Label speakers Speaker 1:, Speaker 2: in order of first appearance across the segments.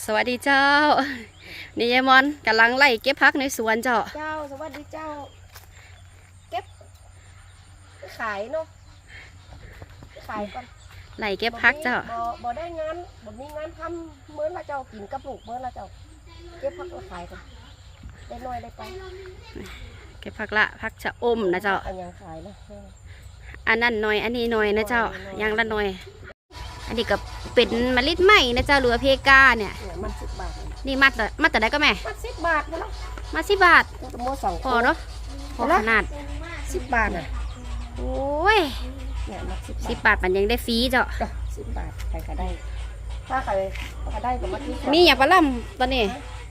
Speaker 1: สวัสดีเจ้านี่ยายมอนกำลังไล่เก็บผักในสวนเจ้า
Speaker 2: สวัสดีเจ้าเก็บขายเนาะขายก่อน
Speaker 1: ไล่เก็บผักเจ้า
Speaker 2: บ่ได้งานบ่มีงานทำเมื่อละเจ้ากินกับลูกเมื่อละเจ้าเก็บผักขายก่อนได้น้อยได้ไป
Speaker 1: เก็บผักละผักชะอมนะเจ้า
Speaker 2: อันยังขายนะ
Speaker 1: อันนั้นหน่อยอันนี้หน่อยนะเจ้ายังละหน่อยอันนี้ก็เป็นมะลิใหม่นะเจ้าหรือเพกาเนี่ย
Speaker 2: มัน10 บาท
Speaker 1: นี่มัดแต่ได้ก็แม่
Speaker 2: มัด10 บาทนะ
Speaker 1: มัด10 บาทพอเนาะพอขนาด
Speaker 2: 10 บาทอ่ะ
Speaker 1: โอ้ย
Speaker 2: เนี่ยมัด
Speaker 1: 10 บาทมันยังได้ฟรีเจ้า
Speaker 2: 10 บาทใครก็ได้ถ้าใครก็ได้ก็มาที่
Speaker 1: มีอย่างปลาล่ำตอนนี้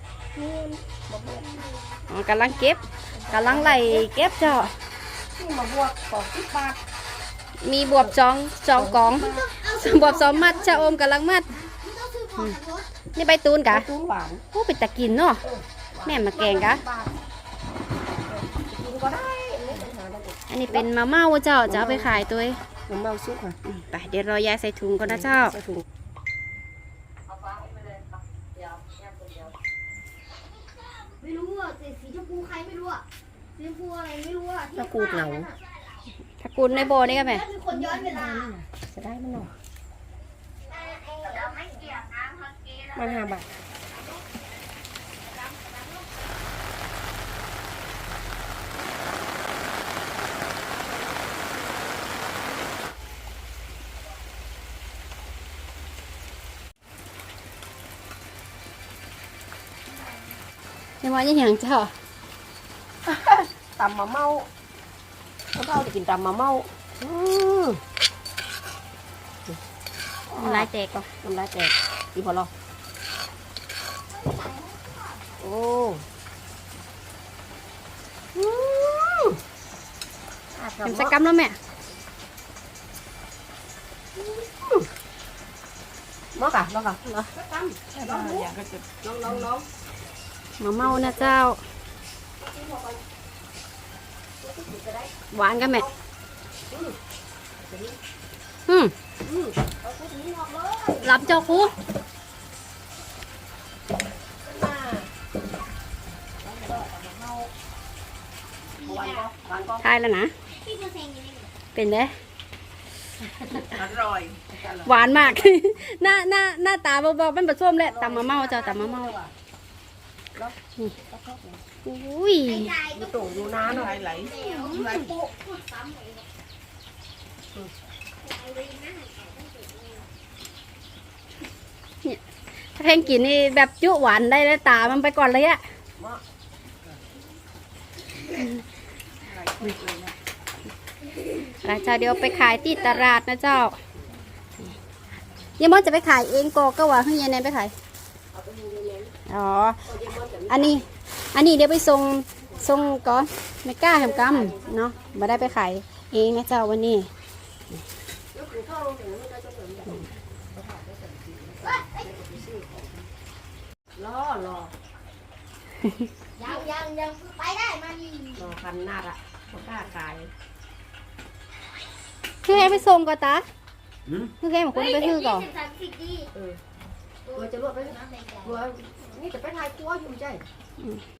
Speaker 1: กำลังเก็บกำลังไล่เก็บเจ้า
Speaker 2: มาบวกของ10 บาท
Speaker 1: มีบวบจองกองบวบ2 มัดชะอมกำลังมัดนี่ใบตูนกะโอ้เป็นตะกินเนาะแม่มาแกงกะอันนี้เป็นมะเม่าเจ้าจะเอาไปขายตัว
Speaker 2: มะเม่าซุกค่ะ
Speaker 1: ไปเดี๋ยวรอยายใส่ถุงก่อนนะเจ้า
Speaker 3: ไม่รู้อ่ะสีชมพูใครไม่รู้อ่ะสีชมพูอะไรไม่รู้อ่ะ
Speaker 2: ตะกูดเหนา
Speaker 1: ตะกูดในโบนี่กันไหม
Speaker 3: มีคนย้อนเวลา
Speaker 2: จะได้มันหน่อยมัน5 บาท
Speaker 1: ยังว่าอย่างเจ้า
Speaker 2: ตำมะเม่าเราจะกินตำมะเม่า
Speaker 1: น้ำลายแตกก่อน
Speaker 2: น้ำลายแตกดีพอหรอโอ้
Speaker 1: ทำสักกำแล้วแม่
Speaker 2: มอกะเหรอน้อง
Speaker 1: มะเม่านะเจ้าหวานกันแม่รับเจ้าครูทายแล้วนะเป็นเด้
Speaker 2: อร่อย
Speaker 1: หวานมาก หน้าตาบอกมันผสมแหละตำมะเม่าเจ้าตำมะเม่าอุ้ย
Speaker 2: ดูโตดูน้ำหน่อยไหลปุ๊
Speaker 1: เนี่ยถ้าแพงกินนี่แบบจุหวานได้แล้วตามันไปก่อนเลยอะเจ้าเดี๋ยวไปขายที่ตลาดนะเจ้ายังมอนจะไปขายเองก็ว่าให้ยายแนนไปขายอ๋ออันนี้เดี๋ยวไปส่งก่อนไม่กล้าทำกำเนาะมาได้ไปขายเองนะเจ้าวันนี้
Speaker 2: รอ
Speaker 3: ยังไปได้มานี่
Speaker 2: รอคันหน้าละไม่กล้าขาย
Speaker 1: คือให้ไปส่งก่อนตาคือให้หมดคนไปคือก่อน
Speaker 2: จะรวดไปนี่จะไปทายครัวอยู่ใจ